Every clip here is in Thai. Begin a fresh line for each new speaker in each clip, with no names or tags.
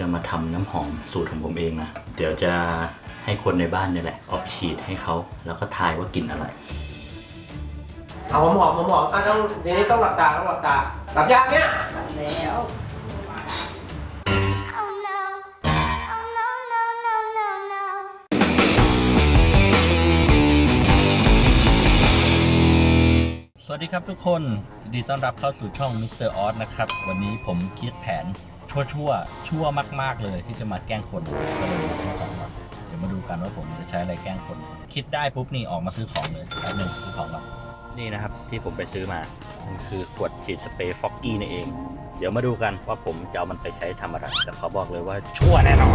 มาทำน้ำหอมสูตรของผมเองนะเดี๋ยวจะให้คนในบ้านนี่แหละออกฉีดให้เขาแล้วก็ทายว่ากลิ่นอะไร
เอาหอมต้องทีนี้ต้องหลับตาหลับยากเนี่ยแล้ว
สวัสดีครับทุกคนยินดีต้อนรับเข้าสู่ช่อง Mr. Oz นะครับวันนี้ผมคิดแผนชั่วมากๆเลยที่จะมาแกล้งคนก็เลยมาซื้อของก่อนเดี๋ยวมาดูกันว่าผมจะใช้อะไรแกล้งคนคิดได้ปุ๊บนี่ออกมาซื้อของเลยแป๊บนึงซื้อของก่อนนี่นะครับที่ผมไปซื้อมามันคือขวดฉีดสเปรย์ฟ็อกกี้นี่เองเดี๋ยวมาดูกันว่าผมจะเอามันไปใช้ทำอะไรแต่เขาบอกเลยว่าชั่วแน่นอน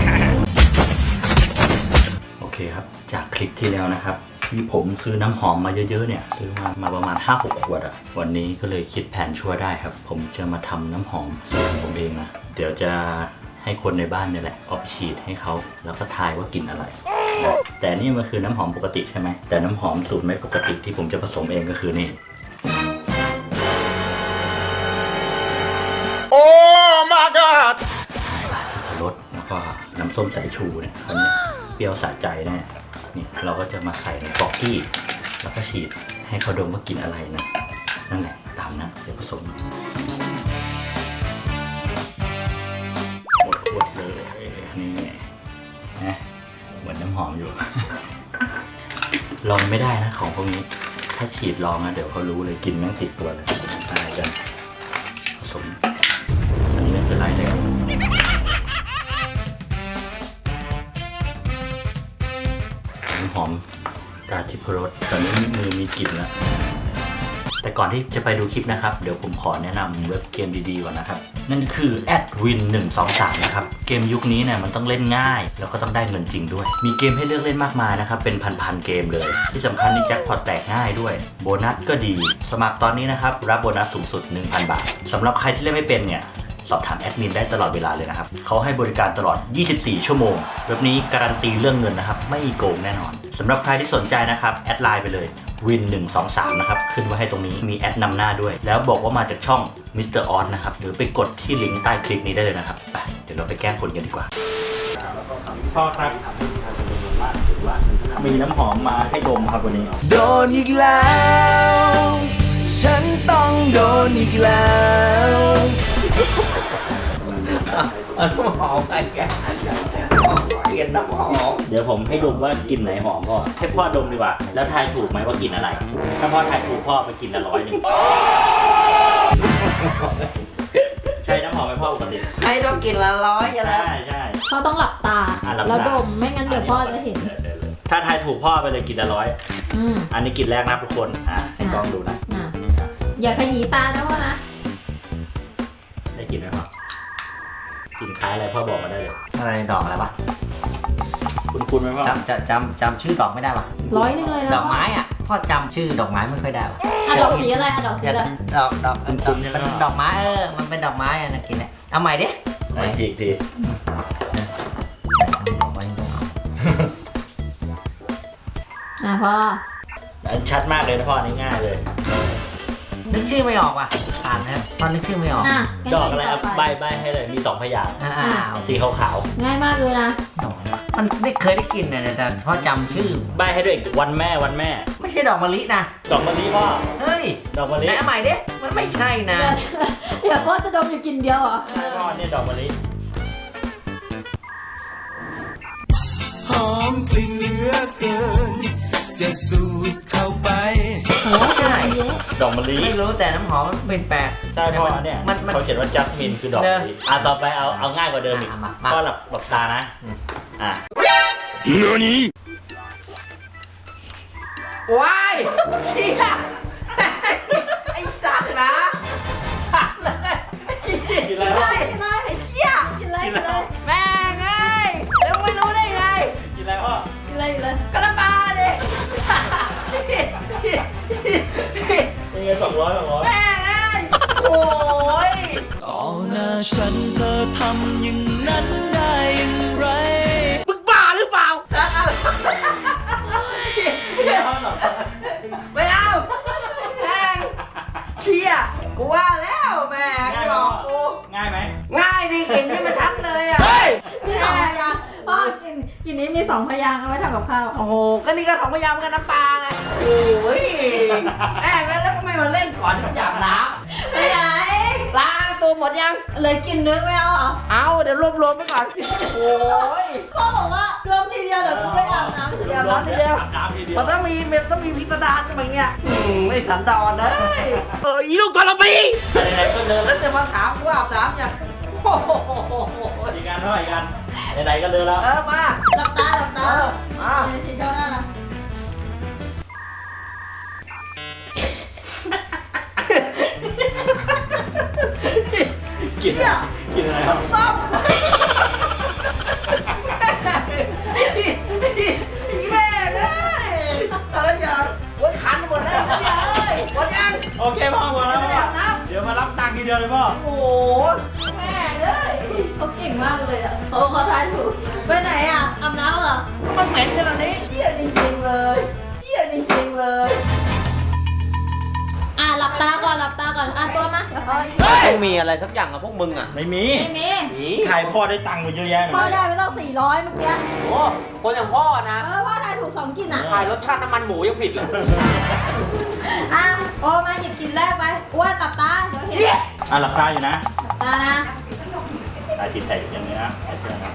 โอเคครับจากคลิปที่แล้วนะครับที่ผมซื้อน้ำหอมมาเยอะๆเนี่ยซื้อมาประมาณ 5-6 ขวดอะวันนี้ก็เลยคิดแผนชั่วได้ครับผมจะมาทำน้ำหอมสูตรของผมเองนะเดี๋ยวจะให้คนในบ้านนี่แหละเอาไปฉีดให้เขาแล้วก็ทายว่ากลิ่นอะไรแต่นี่มันคือน้ำหอมปกติใช่ไหมแต่น้ำหอมสูตรไม่ปกติที่ผมจะผสมเองก็คือนี่โอ้ my god รสแล้วก็น้ำส้มสายชูเนี่ยคราวนี้เปรี้ยวสะใจแน่นี่เราก็จะมาใส่ในฟอกกี้แล้วก็ฉีดให้เขาดมว่ากินอะไรนะนั่นแหละตามนะเดี๋ยวผสมหมดขวดเลยนี่นะเหมือนน้ำหอมอยู่ ลองไม่ได้นะของพวกนี้ถ้าฉีดลองนะเดี๋ยวเขารู้เลยกินแม่งติดตัวเลยอะไรกันผสมอันนี้น่าจะไล่เลยหอมกาทิพรสตอนนี้มือมีกลิ่นแล้วแต่ก่อนที่จะไปดูคลิปนะครับเดี๋ยวผมขอแนะนำเว็บเกมดีๆก่อนนะครับนั่นคือ @win123 นะครับเกมยุคนี้เนี่ยมันต้องเล่นง่ายแล้วก็ต้องได้เงินจริงด้วยมีเกมให้เลือกเล่นมากมายนะครับเป็นพันๆเกมเลยที่สำคัญนี่แจ็คพอตแตกง่ายด้วยโบนัสก็ดีสมัครตอนนี้นะครับรับโบนัสสูงสุด 1,000 บาทสำหรับใครที่เล่นไม่เป็นเนี่ยสอบถามแอดมินได้ตลอดเวลาเลยนะครับเขาให้บริการตลอด 24 ชั่วโมงเว็บนี้การันตีเรื่องเงินนะครับไม่โกงแน่นอนสำหรับใครที่สนใจนะครับแอดไลน์ไปเลย win123 นะครับขึ้นไว้ให้ตรงนี้มีแอดนำหน้าด้วยแล้วบอกว่ามาจากช่อง Mr. Oz นะครับหรือไปกดที่ลิงก์ใต้คลิปนี้ได้เลยนะครับไปเดี๋ยวเราไปแกล้งคนกันดีกว่าพ่อครับมีน้ำหอมมาให้ดมครับวันนี้
โดนอีกแล้วฉันต้องโดนอีกแล้วน้ำหอมอะไรกันเปลี่ยนน้ำหอม
เดี๋ยวผมให้ดมว่ากลิ่นไหนหอมพ่อให้พ่อดมดีกว่าแล้วทายถูกไหมว่ากลิ่นอะไรถ้าพ่อทายถูกพ่อไปกินละ100ใช่น้ำหอมไหมพ่อปกติ
ให้ต้องกินละ100อย่าแล้ว
ใช่
พ่อต้องหลับตาแล้วดมไม่งั้นเดี๋ยวพ่อจะเห็น
ถ้าทายถูกพ่อไปเลยกินละ100อันนี้กลิ่นแรกนะทุกคนให้ลองดูนะ
อย่าขยี้ตานะพ่อนะ
ได้กลิ่นไหมพ่อกินคล้ายอะไรพ่อบอกมาได้เลย
อะไรดอกอะไรวะ
คุณไหมพ่อ
จำชื่อดอกไม่ได้ปะ
100เลยนะ
ดอกไม้อ่ะพ่อจำชื่อดอกไม้ไม่ค่อยได้
ดอกสีอะไรดอกสีอะไร
เป็นดอกไม้มันเป็นดอกไม้อ่ะนะกินเนี่ยเอาใหม่ดิ
ที
พ่อ
ชัดมากเลยนะพ่อนี่ง่ายเลย
นึกชื่อไม่ออกว่ะอ่านนะตอนนึกชื่อไม่ออก
ดอกอะไรใบให้เลยมี2พยางค์สีขาว
ง่ายมากเลยนะ
มันไม่เคยได้กินเนี่ยแต่พ่อจำชื่อ
ใบให้ด้วยวันแม่
ไม่ใช่ดอกมะลินะ
ดอกมะลิพ่อ
เฮ้ย
ดอกมะลิ
ไหนใหม่ดิมันไม่ใช่นะ
เดี๋ยวพ่อจะดมอยู่กินเดียวเหรอ
ใช่พ่อเนี่ยดอกมะลิ
หอมกลิ่นเหลือเกินจะสูดเข้าไป
ใช่
ดอกมะลิ
ไม่รู้แต่น้ำหอมมันเป็นแปลก
ใช่พ่อเนี่ยเขาเขียนว่าจัสมินคือดอกมะลิต่อไปเอาง่ายกว่าเดิมอีกก็หลับตานะ
นี่ว้ายเชี่ยไอ้สัตว์นะ
กินอะไร
ไอ้เหี้ยกินอะไร
แม่ไงแล้วไม่รู้ได้ไง
กินอะไรพ่อ
กินอะไร
กระปาดิ
เป็นไง200
แม่ไงโอ้ย
ต่อหน้าฉันเธอทำอย่างนั้นได้อย่างไร
มึงบ้าหรือเปล่าไม่เอาแม่งเชี่ยกูว่าแล้วแม่งหลอกกู
ง่ายไหม
ง่ายดิกลิ่นนี่มันชัดเลยอ่ะ
กลิ่นนี้มี2 พยางค์เอาไว้ทำกับข้าว
โอ้โหก็นี่ก็2 พยางค์กันน้ำปลาไงโอ้ยแอบแล้วก็ไม่มาเล่นก่อนที่จะอาบน้
ไปไหน
ำล้างตัวหมดยัง
เลยกลิ่นนึงไม่เอาเหรอ
เอาเดี๋ยวรวมๆไปก่อนโอ้ย
พ่อบอกว่ารวมทีเดียวเดี๋ยวกูไปอาบน้ำทีเดียว
อาบน้ำทีเดียว
อาบน้ำทีเดียว
มันต้องมีพิสดารกันแบบเนี้ยไม่สันดอนเลยอีลูกทรพี
ไหนๆก็เดิน
แล้วจะมาถามว่าอาบน้ำยังโอ้โห
อีกกันเท่าไหร่กันไหนๆก็เดินแล้ว
มา
หลับตาหลับตา
มา
เดี๋ยวชิดเข้าหน้านะ
กินอะไรกินอะไรครับ
ต้มแม่เลยอะไรอย่างโอ้ยคันหมดแล้วเลยหมดยัง
โอเคพ่อหมดแล้ว
ไม่ได้อาบน้ำ
เดี๋ยวมารับตังค์ทีเดียวเลยพ่อ
โอ้โหแม่เลย
เขาเก่งมากเลยอ่ะเขาทายถูกไปไหนอ่ะอาบน้ำเหรอ
มันเหม็นขนาดนี้เยี่ยจริงๆเลยเยี่ยจริงๆเลย
หลับตาก่อนหลับตาก่อนตัวมา
ต้องมีอะไรสักอย่างกับพวกมึงอ่ะ
ไม่มี
ไม่มี
ใครพ่อได้ตังค์มาเยอะแยะ
พ่อได้ไปต้อง400เมื่อกี้
โอ้คนอย่างพ่อนะ
พ่อทายถูก2กลิ่นอ่ะ
ขายรสชาติน้ำมันหมูยังผิดเลย
โอ้มาหยิบกลิ่นแรกไปอ้วนหลับตาเดี๋ยวเห็นหลับ
หลับตาอยู่นะ
ตานะ
ตาจิตใจอย่างนี้นะใส่เสื้อนะ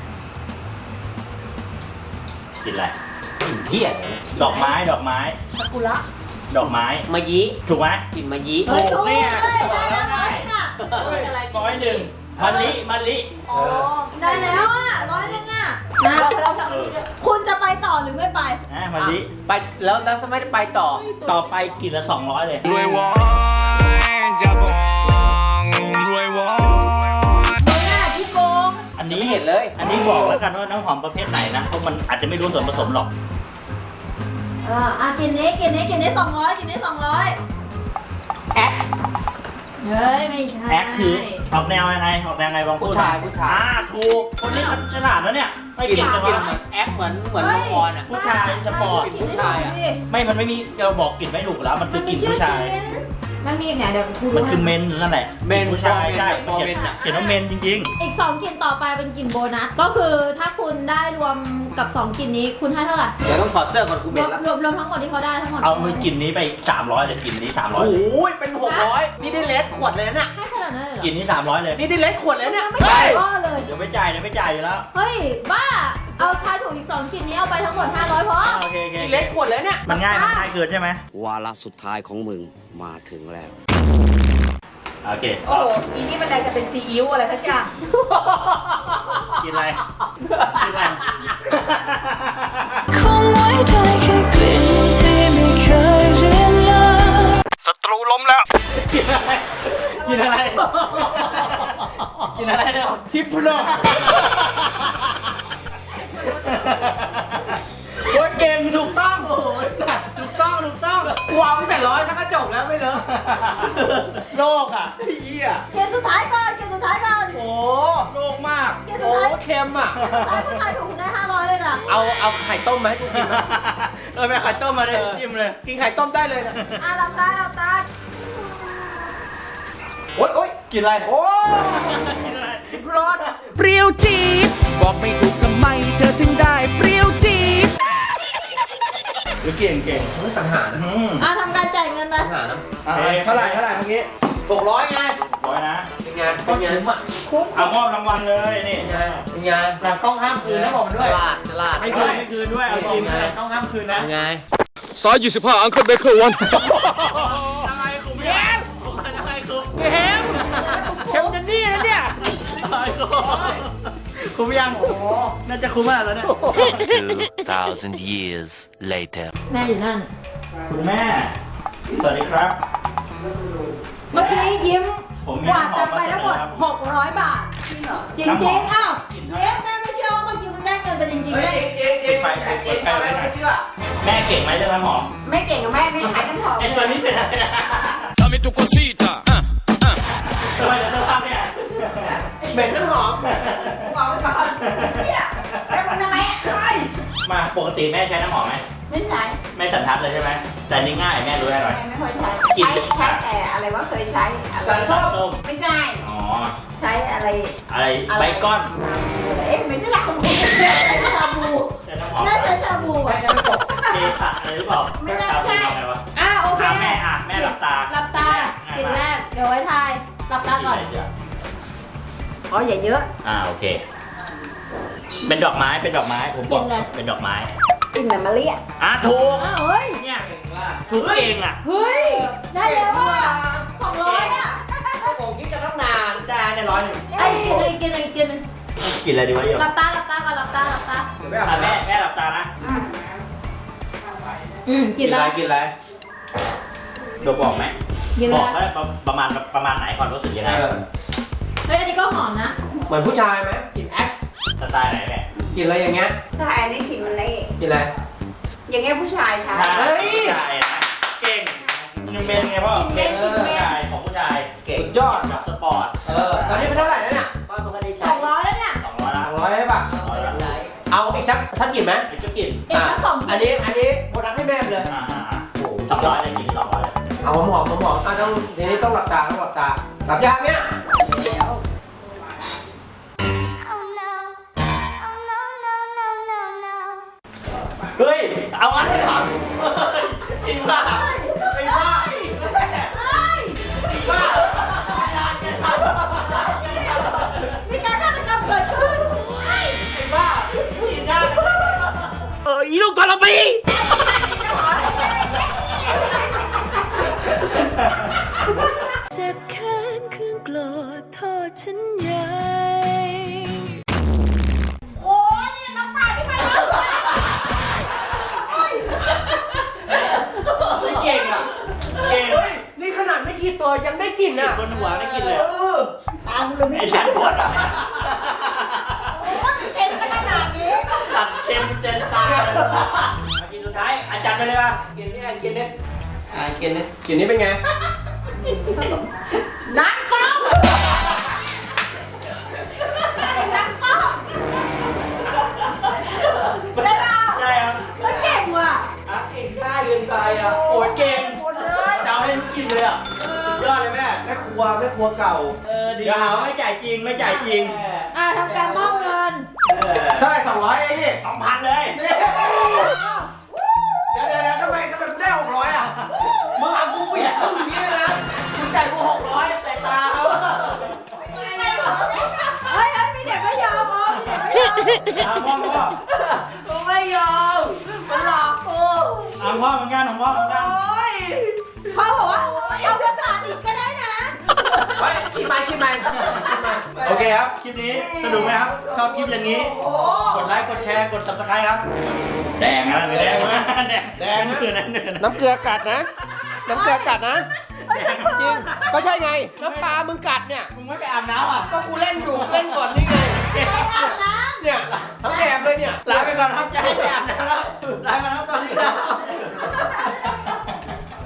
กินอะไร
กลิ่นเพี้ย
ดอกไม้ดอกไม้
ซากุระ
ดอกไม้
มายี
ถูกไหม
กลิ่นมายี
เฮ้ยถูก
เนี่
เลย ยได้แล้วร้อยนึงอ่ะ
101มะลิมะลิ
ได้แล้วอ่ะ100นึงอ่ะนะ
เออ
คุณจะไปต่อหรือไม่ไป
มะลิ
ไปแล้วทำไมได้ไปต่อ
ต่อไปกินละ200เลย
รวยวอนจะบองรวยวอน
ไม่น่าที่โกง
อันนี้
ไม่เห็นเลย
อันนี้บอกแล้วกันว่าน้ำหอมประเภทไหนนะเพราะมันอาจจะไม่รู้ส่วนผสมหรอก
กินนี้200กินนี้200
แอค
เฮ้ยไม่ใช่
แอคคือออกแนวยังไงออกแนวไงบางพูด
ผู้ชาย
ถูกคนนี้มันฉลาดแล้วเนี่ยไม่
กลิ่น
เก่งแต่
กลิ่น
ว่า
แอคเหมือนโลออนอ่ะ
ผู้ชายสปอร์ต
ผู้ชายอะ
ไม่มันไม่มีเราบอกกลิ่นไม่ถูกแล้วมันคื
มั
อน ก
มี
ลิ่น
ชื่อ
ผู้ชาย
กินมันมีอีกไหนเดี๋ยวกูดู
มันคือเมนนั่นแหละ
เมน
ผู้ชายใช่
ฟอร์เมนอะ
เขียนว่าเมนจริง
อีก2กลิ่นต่อไปเป็นกลิ่นโบนัส ก็คือถ้าคุณได้รวมกับ2กลิ่นนี้คุณให้เท่าไหร่
เดี๋ยวต้องถอดเสื้อก่อนกู
ร
เบ็
ว
ด
ม
แล้ว
รวมทั้งหมดที่เขาได้ทั้งหมด
ๆ เอามือกลิ่นนี้ไป300เลยกลิ่นนี้300
โอ้
เลย
โหเป็น600นี่ได้เลสขวดเลยนะ
ให้ขนาดนั้นเลยเหร
กลิ่นนี้300เลย
นี่ได้เลสขวดเลยเนี่ย
ไม่ใช่พ่อเลย
เดี๋ยวไม่จ่ายอยู่แล้ว
เฮ้ย บ้า เอาทายถูกอีก2กลิ่นนี้เอาไปทั้งหมด500พอ
โอเค
นี่เลสขวดเลยเนี่ย
มันง่ายเกินใช่ไหม
วาระสุดท้ายของมึงมาถึงแล้ว
โอเค
โอ้โหอีนี่มันอะไรจะเป็นซีอิ๊วอะไรสักอย่าง
กินอะไรกินอะไร
คงไว้ได้แค่กลิ่นที่ไม่เคยเรียนเลย
ศัตรูล้มแล้ว
กินอะไรกินอะไรเนี่ยทิพย์โลกโคตรเก่งถูกต้องโอ้ยถูกต้อง
วางตั้งแต่ร้อยถ้าก็จบแล้วไม่เลอะ
โลกอ่ะ
เหี้ย
เกมสุดท้ายก่อน
โอ้
โลกมาก
เกมสุ
โห
ดท้าย
เค็มอ่ะ
เกมสุดท้ายคุณทายถูกคุณได้500เลยนะ
เอาไข่ต้มมาให้กูกินนะ
ไปไข่ต้มมาเลยจิ้มเลย
กินไข่ต้มได้เลยนะ
หลับตา
โอ๊ย
กินอะไร
โอ้ทิพรส
เปรี้ยวจี๊ดบอกไม่ถูกทำไมเธอถึงได้เปรี้ยวจี๊ด
เก่ง
ไม่สังหารนะ
ทำการจ่ายเงินไป
สังหารนะ
เท่าไหร่เมื่อกี้
600ไง
100นะ
เป็นไงเป็นไง
เอามอบรางวัลเลยนี่
เป็นไงเป็นไง
หลังกล้องห้ามคืนนะบอกมันด้วย
ตลาด
ไม่คืนด้วยเอาจริง
ไง
หลังกล้องห้ามคืนนะ
เป็นไง
ซอย25อังเคิลเบเกอร์วัน
อะไรคุณแย้มอะไรคุณแย้มเข้มจะนี่นะเนี่ยคุ้มยังน่าจะคุ้มมากแล้วเนี่ย
2,000 years later
แม่อยู่นั่น
คุณแม่สวัสดีครับ
เมื่อกี้ยิ้ม
ผมมี
กวาดตังค์ไปทั้งหมด
ครับ
600 บาท จริงๆอ้าวเย้แม่ไม่เชื่อว่าเมื่อกี้มึงได้เงินไปจริงๆได้
ไม่เชื่อ
แม่เก่งไหมเรื่องน้ำหอม
ไม่เก่งกับแม่ไม่ขายน้ำหอม
ไอตัวนี้เป็นอะไรนะ
Dame tu cosita
ทำไมถึงต้องทำเนี่ย
เหม็นน้ำหอม
บอกไว้ก่อนเนี่ยแล้วมันทำไมอ่ะใช่
มาปกติแม่ใช้น้ำหอมไหม
ไม่ใช้
แม่สันทัดเลยใช่ไหมแต่นี่ง่ายแม่รู้ได้หน่อย
แม่ไม่ค่อยใช้
กิน
ใช้แต่อะไรว่าเคยใช้อะไร
สันส้ม
ต้ม
ไม่ใช่
อ๋อ
ใช้อะไร
อะไรใบก้อน
เอ๊ะไม่ใช่หลักของผม
แม่ใช้ชาบู
แต่น้ำหอม
น่าใช้ชาบู
แม่
อ่ะ
จะไม่ตก
เกสะอะไรหรือเปล่า
ไม่ใช่
ชาบูทำไงวะ
โอเค
แม่หลับตา
หลับตากินแรกเดี๋ยวไว้ทายหลับตาก่อน
อ๋ออย่าเยอะ
โอเค เป็นดอกไม้เป็นดอกไม้ผมบอก
กินเลย
เป็นดอกไม้
กินแบบมะลิอ่ะ
ถูก
เฮ้ย
เนี่ยถูกเก่งอ่ะ
เฮ้ยได้แล้วอ่ะ200อ่ะ
ผมคิดจะตั้งนานได้ใน101
ไอ้กินเลยกินเลยกินเลย
กินอะไรดีวะโยม
หลับตาหลับตาก่อนหลับตาหลับตา
เดี๋ยวไม่เอา
แม่หลับตานะ
กินเลย
กินอะไร
โดมบอกไหม
กิน
บ
เล
อก
ย
เขาประมาณไหนก่อนรู้สึกยังไง
เฮ้ยอันนี้ก็หอมนะ
เหมือนผู้ชายไหมกินแอค
สไตล์ไหนแม่
กินอะไรอย่างเงี้ย
ใช่อันนี้กลิ่นมะลิ
กินอะไร
อย่างเงี้ยผู้ชายใช้
ใช่ใช่นะเก่งยังเป็นไงพ่อ
กินเม็ดกินเม็ด
ชายของผู้ชาย
สุดยอด
แบบสปอร์ต
ตอนนี้เป็นเท่าไหร่แล้วเนี่ย
200แล้วเนี่ย
200ละ
200ใช่ป่ะ
200ละ
เอาอีกสักกี่ไหม
อีกจะกิน
เอ็กซ์ทั้งสอง
อัน
กิน
นี้โบนัสให้แม่ไปเลย
200เลยกิน200เลย
เอาหอมต้องทีนี้ต้องหลับตาหลับยากเนี่ย
เฮ้ยเอาอันนี้ก่อนจริงป่ะจริงป่ะจริงป่ะ
มีการฆาตกรรมเกิดขึ้น
จริงป่ะฉีดยาอีลูกกอลปี
เจ็บแค้นเครื่องโกรธโทษฉันใหญ่
โอ้ยนี่น้ำปลาที่มันแล้ว
ไม่เก่งอ่ะเก่ง
นี่ขนาดไม่กี่ตัวยังได้กลิ่นอ่ะ
บนหัวได้กินเลย
ตามเลยไม่
ไอ้ฉันปวดอ่ะ
เค็มขนาดนี้
ตัดเต็มเต็มตามากินสุดท้ายอาจารย์ไปเลยป่ะ
กินนี่กินนี่กินนี่เป็นไง
น้ำกล้องน้ำกล้องใช่เปล่า
ใช่ครับ
มันเก่งว่ะ
เก่งได้เกินไปอ่ะ
โอ้ยเก่ง
หมดเลย
เดาให้ลูกกินเลยอ่ะสุดยอดเลยแม่
แม่ครัวเก่า
เดี๋ยวหาว่าไม่จ่ายจริงไม่จ่ายจริง
ทำการมอบเงิน
เท่าไหร่200เองนี่
2,000เลย
เดี๋ยวทำไมกูได้600อ่ะมึงเอากูเปลี่ยนเข้าอย่างนี้เลยนะมึงจ่ายกู600
ใส่ตาเขา
เฮ้ยมีเด็กไม่ยอมมีเด็กไม่ยอม
พ่อพ่อ
กูไม่ยอมมันหลอกกู
พ่อเหมือนกันของพ่อเหมือนกัน
พ่อบอกว่าเอาภาษาอีกก็ได้นะ
เฮ้ยชิมมา
โอเคครับ คลิปนี้สนุกไหมครับ ชอบคลิปอย่างนี้ กดไลค์ กดแชร์ กด subscribe ครับ แดงนะแดงนะแดงนะเนื้อ
น้ำเกลือกัดนะน้ำเกลือกัดนะจริงก็ใช่ไงน้ำปลามึงกัดเนี่ย
มึงไม่ไปอาบน้ำอ่ะ
ก็กูเล่นอยู่เล่นก่อนนี่ไง
ไปอาบน้
เนี่ยทั้งแถบเลยเนี่ย
ลาไปก่อนครับจะให้ไปอาบน้ำแล้วลาไปแล้วตอนนี้ครับ